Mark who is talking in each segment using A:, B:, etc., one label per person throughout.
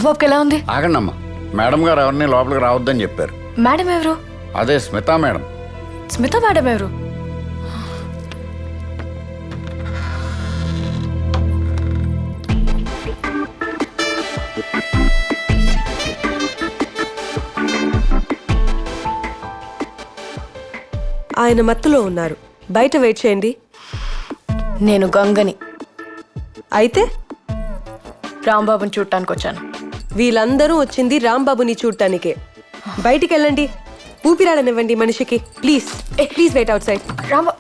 A: రాంబాబుకి ఎలా ఉంది?
B: ఆగండమ్మా, మేడం గారు ఎవరిని లోపలికి రావద్దని చెప్పారు.
A: మేడం ఎవరు?
B: అదే స్మితా మేడం.
A: స్మిత మేడం ఎవరు?
C: ఆయన మత్తులో ఉన్నారు, బయట వెయిట్ చేయండి.
A: నేను గంగని.
C: అయితే
A: రాంబాబుని చూడటానికి వచ్చాను.
C: వీళ్ళందరూ వచ్చింది రాంబాబుని చూడటానికే. బయటికి వెళ్ళండి, ఊపిరాడనివ్వండి మనిషికి. Please please wait outside.
A: Rambabu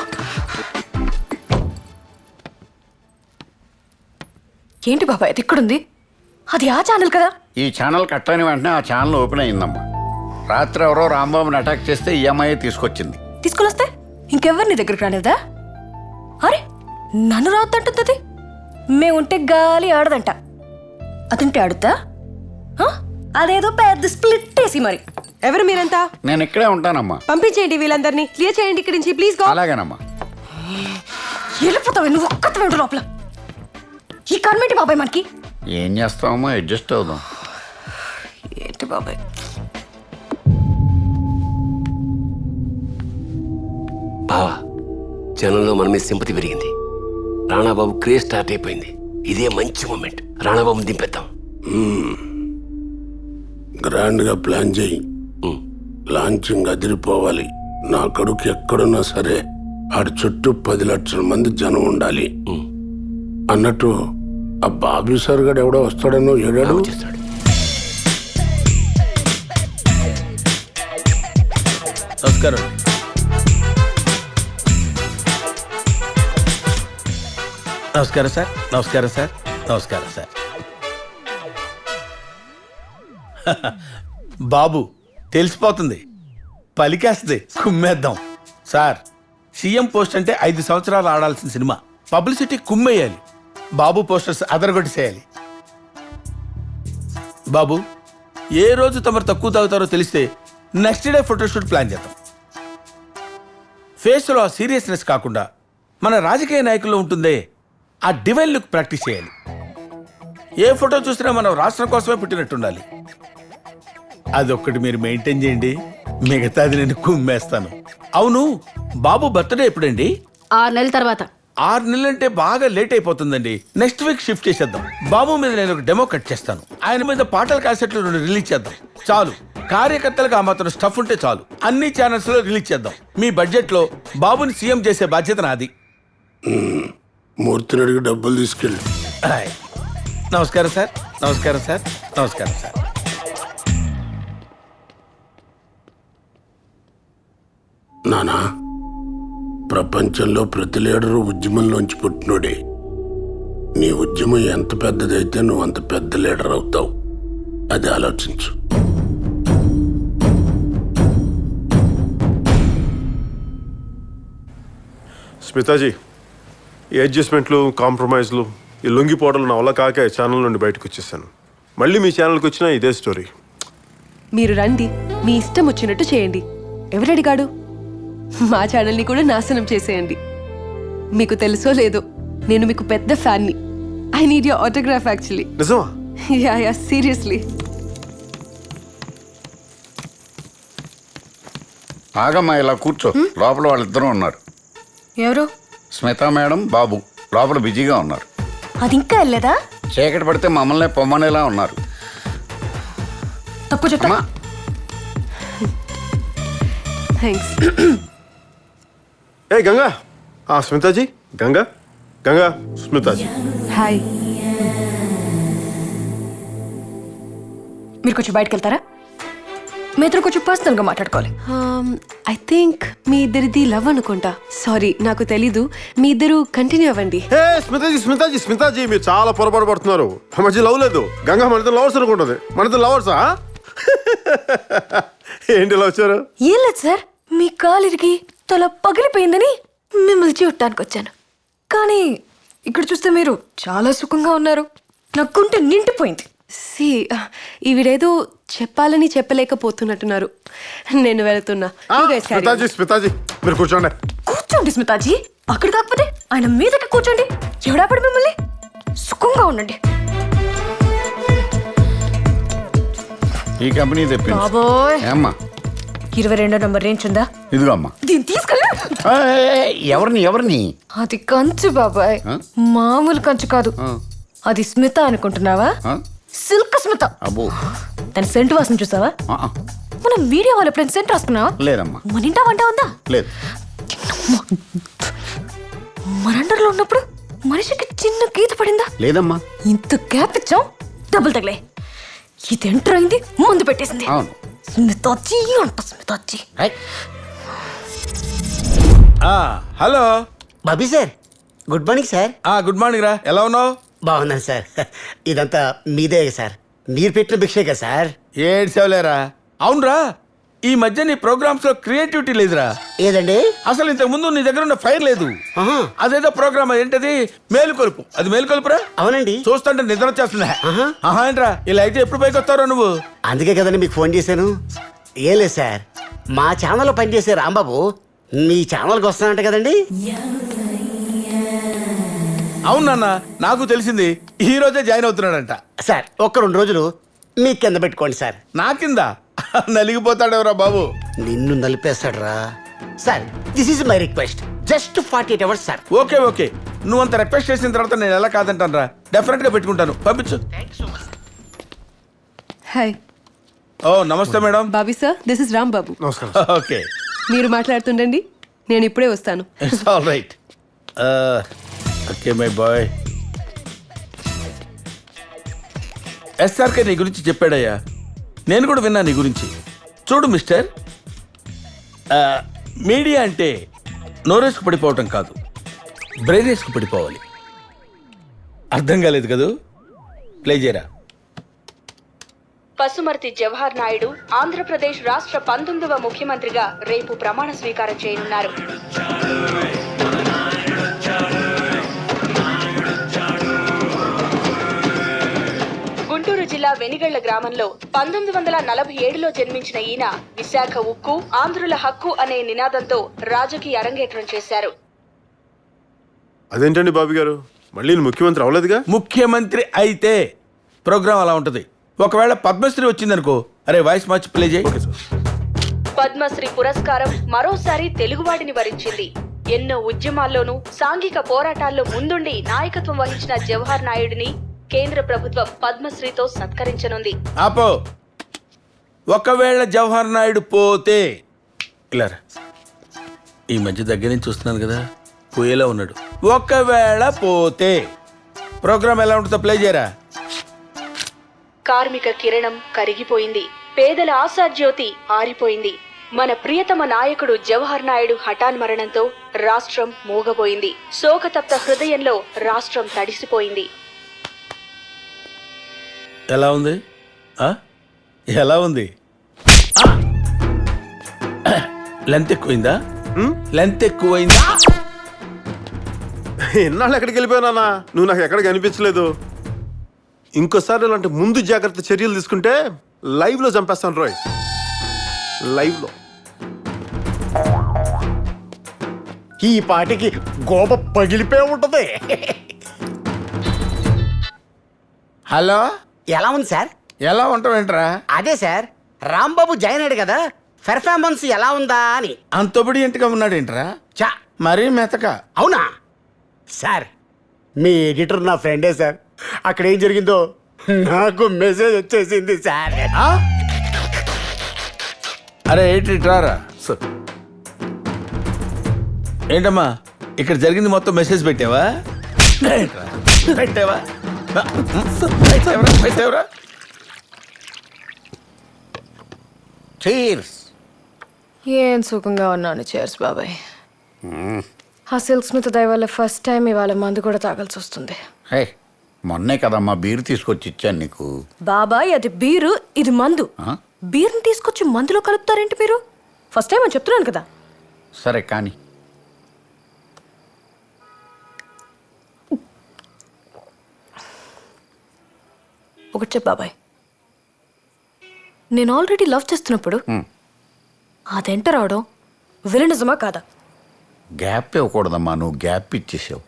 A: ఏంటి బాబా ఇది ఇక్కడుంది? అది ఆ ఛానల్ కదా?
B: ఈ ఛానల్ కట్ అయిన వెంటనే ఆ ఛానల్ ఓపెన్ అయిందమ్మా. రాత్రి ఎవరో రాంబాబుని అటాక్ చేస్తే ఈఎంఐ తీసుకొచ్చింది.
A: తీసుకుని వస్తే ఇంకెవరు నీ దగ్గరికి రానివ్వదా? అరే నన్ను రావద్దంటుంది. మేముంటే గాలి ఆడదంట, అదుంటే ఆడుద్దా? అదేదో పెద్ద స్ప్లిట్ వేసి మరి.
C: ఎవరు మీరంతా?
B: నేను ఇక్కడే ఉంటానమ్మా.
C: పంపించేయండి వీళ్ళందరినీ, క్లియర్ చేయండి ఇక్కడి నుంచి ప్లీజ్ గో.
B: అలాగేనమ్మా.
A: వెళ్ళిపోతావు నువ్వు ఒక్కత లోపల. ఈ కన్మేంటి బాబాయ్ మనకి?
B: ఏం చేస్తామమ్మా, అడ్జస్ట్ అవుదాం.
A: ఏంటి బాబాయ్?
D: బావా, జనంలో మన మీద సింపతి పెరిగింది. రాణాబాబు క్రేజ్ స్టార్ట్ అయిపోయింది. ఇదే మంచి మూమెంట్. రాణాబాబుని దింపేద్దాం.
E: గ్రాండ్ గా ప్లాన్ చేయి. లాంచింగ్ అదిరిపోవాలి. నా కొడుకు ఎక్కడున్నా సరే ఆడి చుట్టూ 10 లక్షల మంది జనం ఉండాలి. అన్నట్టు ఆ బాబీ సార్ గడు ఎవడో వస్తాడనో ఏడాడు
D: చేస్తాడు.
F: నమస్కారం. నమస్కారం సార్. నమస్కారం సార్. నమస్కారం సార్. బాబు తెలిసిపోతుంది, పలికేస్తుంది, కుమ్మేద్దాం. సార్, సీఎం పోస్ట్ అంటే 5 సంవత్సరాలు ఆడాల్సిన సినిమా. పబ్లిసిటీ కుమ్మేయాలి. బాబు పోస్టర్స్ అదరగొట్టేసేయాలి. బాబు, ఏ రోజు తమరు తక్కువ తాగుతారో తెలిస్తే నెక్స్ట్ డే ఫోటోషూట్ ప్లాన్ చేద్దాం. ఫేస్లో ఆ సీరియస్నెస్ కాకుండా మన రాజకీయ నాయకుల్లో ఉంటుందే ఆ డివైన్ లుక్ ప్రాక్టీస్ చేయాలి. ఏ ఫోటో చూసినా మనం రాష్ట్రం కోసమే పుట్టినట్టుండాలి. అదొక్కటి మీరు మెయింటైన్ చేయండి, మిగతాది నేను కుమ్మేస్తాను. అవును, బాబు బర్త్డే ఎప్పుడండి?
A: 6 నెలల తర్వాత.
F: 6 నెలలంటే బాగా లేట్ అయిపోతుందండి. నెక్స్ట్ వీక్ షిఫ్ట్ చేసేద్దాం. బాబు మీద నేను ఒక డెమో కట్ చేస్తాను. ఆయన మీద పాటల క్యాసెట్లు 2 రిలీజ్ చేద్దాం. చాలు, కార్యకర్తలకు ఆ మాత్రం స్టఫ్ ఉంటే చాలు. అన్ని ఛానల్స్ లో రిలీజ్ చేద్దాం. మీ బడ్జెట్ లో బాబుని సీఎం చేసే బాధ్యత నాది.
E: మూర్తిని అడిగి డబ్బులు తీసుకెళ్ళి.
F: హాయ్. నమస్కారం సార్. నమస్కారం సార్. నమస్కారం సార్.
E: నానా, ప్రపంచంలో ప్రతి లీడరు ఉద్యమంలోంచి పుట్టినోడే. నీ ఉద్యమం ఎంత పెద్దదైతే నువ్వు అంత పెద్ద లీడర్ అవుతావు. అది ఆలోచించు.
G: స్మితాజీ, ఈ అడ్జస్ట్మెంట్లు, కాంప్రమైజ్లు, ఈ లొంగిపోవడం నా వల్ల కాక ఛానల్ నుండి బయటకు వచ్చేసాను. మళ్ళీ మీ ఛానల్కి వచ్చినా ఇదే స్టోరీ.
C: మీరు రండి, మీ ఇష్టం వచ్చినట్టు చేయండి. ఎవరడిగాడు? మా ఛానల్ని కూడా నాశనం చేసేయండి. మీకు తెలుసో లేదో, నేను మీకు పెద్ద ఫ్యాన్ని. I need your autograph actually.
G: నిజమా?
C: Yeah seriously.
B: ఆగమ్మా, ఇలా కూర్చో. లోపల వాళ్ళిద్దరూ ఉన్నారు.
A: ఎవరు?
B: స్మితా మేడం, బాబు లోపల బిజీగా ఉన్నారు.
A: అది ఇంకా వెళ్ళలేదా?
B: చీకటి పడితే మమ్మల్ని పొమ్మనేలా ఉన్నారు.
A: తక్కువ చెప్తా.
C: థ్యాంక్స్.
G: ఏ గంగా, స్మితాజీ, గంగా గంగా స్మితాజీ.
C: హాయ్.
A: మీరు కొంచెం బయటకు వెళ్తారా? మీ ఇద్దరు కొంచెం పర్సనల్ గా మాట్లాడుకోవాలి.
C: ఐ థింక్ మీ ఇద్దరిది లవ్ అనుకుంటా. సారీ, నాకు తెలీదు. మీ ఇద్దరు కంటిన్యూ అవ్వండి.
G: హే స్మితాజీ, స్మితాజీ, స్మితాజీ, మీరు చాలా పొరపాటు పడుతున్నారు. మా మధ్య లవ్ లేదు. గంగా మన ఇద్దరు లవర్స్ అనుకుంటుంది. మన ఇద్దరు లవర్సా? ఏంటి ఇలా వచ్చారు?
A: ఏం లేదు సార్, మీ కాలు ఇరిగి తల పగిలిపోయిందని మిమ్మల్ని చూడటానికి వచ్చాను. కానీ ఇక్కడ చూస్తే మీరు చాలా సుఖంగా ఉన్నారు. నా గుండె నిండిపోయింది.
C: సి, ఈవిడేదో చెప్పాలని చెప్పలేకపోతున్నట్టున్నారు. నేను వెళ్తున్నా. You guys carry on.
G: స్మితాజీ, స్మితాజీ, మీరు కూర్చోండి.
A: కూర్చోండి స్మితాజీ. అక్కడ కాకపోతే ఆయన మీదకి కూర్చోండి. ఎవడాపడి మిమ్మల్ని సుఖంగా ఉండండి.
B: ఈ కంపెనీ తెప్పించు
A: బాబోయ్
B: ఏమ్మా
A: 22 నంబర్ రేంజ్ ఉందా?
B: ఇదిగో అమ్మా
A: దీన్ని తీసుకెళ్ళి
B: ఎవరిని
A: అది కంచు బాబాయ్,
B: ఆ?
A: మామూలు కంచు కాదు. అది స్మిత అనుకుంటున్నావా?
B: ఆ?
A: సిల్క్ స్మిత.
B: అబ్బో
A: దాని సెంటు వాసన చూసావా?
B: ఆ,
A: మనం వీడియో వాళ్ళు ఎప్పుడైనా సెంట్ రాసుకున్నావా?
B: లేదమ్మా
A: మన ఇంటా వంట ఉందా?
B: లేదు
A: మన అండర్లో ఉన్నప్పుడు మనిషికి చిన్న గీత పడిందా?
B: లేదమ్మా
A: ఇంత గ్యాప్ ఇచ్చాం, డబ్బులు తగిలే. ఇది ఎంటర్ అయింది, ముందు పెట్టేసింది.
B: అవును
A: స్మితాచి అంట, స్మితాచి.
F: Hello
H: Bobby sir, good morning sir.
F: Good morning రా, ఎలా ఉన్నావు?
H: బాగున్నాను సార్. ఇదంతా మీదే సార్, మీరు పెట్టిన భిక్షే కదా సార్.
F: ఏడ్చావులేరా. అవునరా, ఈ మధ్య నీ ప్రోగ్రామ్స్ లో క్రియేటివిటీ లేదురా.
H: ఏదండి?
F: అసలు ఇంతకు ముందు నీ దగ్గర ఉన్న ఫైర్ లేదు.
H: ఆహా.
F: అదేదో ప్రోగ్రామ్ ఏంటది, మేలుకొలుపు. అది మేలుకొలుపురా.
H: అవునండి,
F: చూస్తుంటే నిద్ర వచ్చేస్తుందా?
H: ఆహా.
F: ఆహా ఏంట్రా, ఇలా అయితే ఎప్పుడు పైకి వస్తారో నువ్వు?
H: అందుకే కదండి మీకు ఫోన్ చేశాను. ఏం లేదు సార్, మా ఛానల్లో పనిచేసే రాంబాబు మీ ఛానల్కి వస్తానంట కదండి.
F: అవును నాన్న, నాకు తెలిసింది. ఈ రోజే జాయిన్ అవుతున్నాడంట.
H: సార్ ఒక్క 2 రోజులు మీ కింద పెట్టుకోండి సార్.
F: నా కింద నలిగిపోతాడెవరా బాబు.
H: నిన్ను నలిపేస్తాడు రా sir. This is my request, just 48 hours sir.
F: Okay okay, నువ్వు అంత రిక్వెస్ట్ చేసిన తర్వాత నేను ఎలా కాదంటాను రా. డెఫినెట్ గా పెట్టుకుంటాను, పంపించు.
C: హాయ్
F: ఓ namaste madam.
C: Bobby sir, this is Ram Babu.
G: నమస్కారం.
F: ఓకే,
C: మీరు మాట్లాడుతుండండి, నేను ఇప్పుడే వస్తాను.
F: It's all right. Okay my boy. SRK నీ గురించి చెప్పాడయ్యా, నేను కూడా విన్నా నీ గురించి. చూడు మిస్టర్, మీడియా అంటే నోరేసుకు పడిపోవటం కాదు, బ్రెయినేసుకు పడిపోవాలి. అర్థం కాలేదు కదూ? ప్లే చేయరా.
I: పసుమర్తి జవహర్ నాయుడు ఆంధ్రప్రదేశ్ రాష్ట్ర 19వ ముఖ్యమంత్రిగా రేపు ప్రమాణ స్వీకారం చేయనున్నారు. గుంటూరు జిల్లా వెనిగళ్ల గ్రామంలో 1947లో జన్మించిన ఈయన విశాఖ ఉక్కు, ఆంధ్రుల హక్కు అనే నినాదంతో రాజకీయ అరంగేట్రం చేశారు.
G: అదేంటండి బాబీ గారు, మళ్ళీ నేను ముఖ్యమంత్రి అవ్వలేదుగా?
F: ముఖ్యమంత్రి అయితే ప్రోగ్రామ్ అలా ఉంటుంది. ఒకవేళ పద్మశ్రీ వచ్చిందనుకో, అరే వాయిస్ మార్చి ప్లే చేయి.
I: పద్మశ్రీ పురస్కారం మరోసారి తెలుగువాడిని వరించింది. ఎన్నో ఉద్యమాల్లోనూ సాంఘిక పోరాటాల్లో ముందుండి నాయకత్వం వహించిన జవహర్ నాయుడిని కేంద్ర ప్రభుత్వం పద్మశ్రీతో సత్కరించనుంది.
F: ఆపో. ఒకవేళ జవహర్ నాయుడు పోతే ఇలా రా. ఈ మధ్య దగ్గర నుంచి చూస్తున్నాను కదా, పోయేలా ఉన్నాడు. ఒకవేళ పోతే ప్రోగ్రామ్ ఎలా ఉంటుందో ప్లే చేయరా.
I: కార్మిక కిరణం కరిగిపోయింది, పేదల ఆశాజ్యోతి ఆరిపోయింది. మన ప్రియతమ నాయకుడు జవహర్ నాయుడు హఠాన్ మరణంతో రాష్ట్రం మూగబోయింది. శోకతప్త హృదయంలో రాష్ట్రం తడిసిపోయింది.
F: ఎలా ఉంది? ఎలా ఉంది? లెంత్ ఎక్కువైందా? లెంత్ ఎక్కువైందా?
G: ఎన్నాళ్ళు ఎక్కడికి వెళ్ళిపోయానా? నువ్వు నాకు ఎక్కడికి అనిపించలేదు. ఇంకోసారి ఇలాంటి ముందు జాగ్రత్త చర్యలు తీసుకుంటే లైవ్ లో చంపేస్తాను రోయ్. లైవ్ లో.
H: ఈ పాటికి గోప పగిలిపోయి ఉంటది.
F: హలో,
H: ఎలా ఉంది సార్?
F: ఎలా ఉంటావేంట్రా?
H: అదే సార్, రాంబాబు జాయిన్ అయ్యాడు కదా, పెర్ఫార్మెన్స్ ఎలా ఉందా అని.
F: అంతొబడి ఇంటిగా ఉన్నాడేంట్రా?
H: చా,
F: మరీ మెతక.
H: అవునా సార్? మీ ఎడిటర్ నా ఫ్రెండే సార్. అక్కడ ఏం జరిగిందో నాకు మెసేజ్ వచ్చేసింది సార్.
F: అరే ఏంటి రారా.
G: సార్
F: ఏంటమ్మా ఇక్కడ జరిగింది మొత్తం మెసేజ్ పెట్టావా? పెట్టావా? పెట్టావరా?
H: చీర్స్.
A: ఏం సుఖంగా ఉన్నాను. చేర్స్ బాబాయ్. ఆ సిల్క్ స్మిత్ దయ వల్ల ఫస్ట్ టైం ఇవాళ మందు కూడా తాగాల్సి వస్తుంది.
B: హే, మొన్నే కదమ్మా బీరు తీసుకొచ్చి ఇచ్చాను నీకు.
A: బాబాయ్ అది బీరు, ఇది మందు.
B: ఆ?
A: బీర్ని తీసుకొచ్చి మందులో కలుపుతారేంటి మీరు? ఫస్ట్ టైం అని చెప్తున్నాను కదా.
B: సరే కానీ
A: ఒకటి చెప్పు బాబాయ్, నేను ఆల్రెడీ లవ్ చేస్తున్నప్పుడు అదెంట రావడం విలనిజమా కాదా?
B: గ్యాప్ ఇవ్వకూడదమ్మా, నువ్వు గ్యాప్ ఇచ్చేసావు.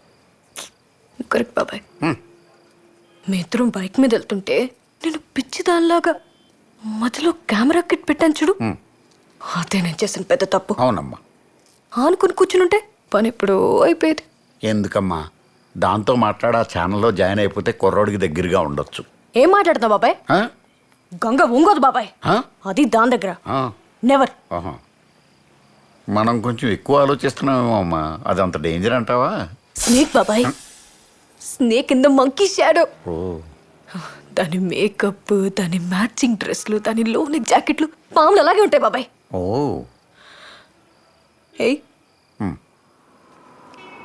A: కరెక్ట్ బాబాయ్. మీ ఇద్దరం బైక్ మీద వెళ్తుంటే నేను పిచ్చి దానిలాగా మధ్యలో కెమెరా కిట్ పెట్టాను చూడు అదే నేను చేసిన పెద్ద తప్పు.
B: అవునమ్మా.
A: ఆనుకుని కూర్చునుంటే పని ఎప్పుడో అయిపోయేది.
B: ఎందుకమ్మా దాంతో మాట్లాడి ఆ ఛానల్లో జాయిన్ అయిపోతే కుర్రోడికి దగ్గరగా ఉండొచ్చు.
A: ఏం మాట్లాడుతున్నావు బాబాయ్?
B: ఆ?
A: గంగ ఉంగోదు బాబాయ్.
B: ఆ?
A: అది దాని దగ్గర
B: ఆ.
A: నెవర్.
B: ఆహా. మనం కొంచెం ఎక్కువ ఆలోచిస్తున్నామేమో అమ్మా. అది అంత డేంజర్ అంటావా?
A: స్నేక్ బాబాయ్, snake in the monkey shadow.
B: ఓ
A: దాని మేకప్, దాని మ్యాచింగ్ డ్రెస్లు, దాని లోని జాకెట్లు పాములు అలాగే ఉంటాయి బాబాయ్.
B: ఓ
A: ఏయ్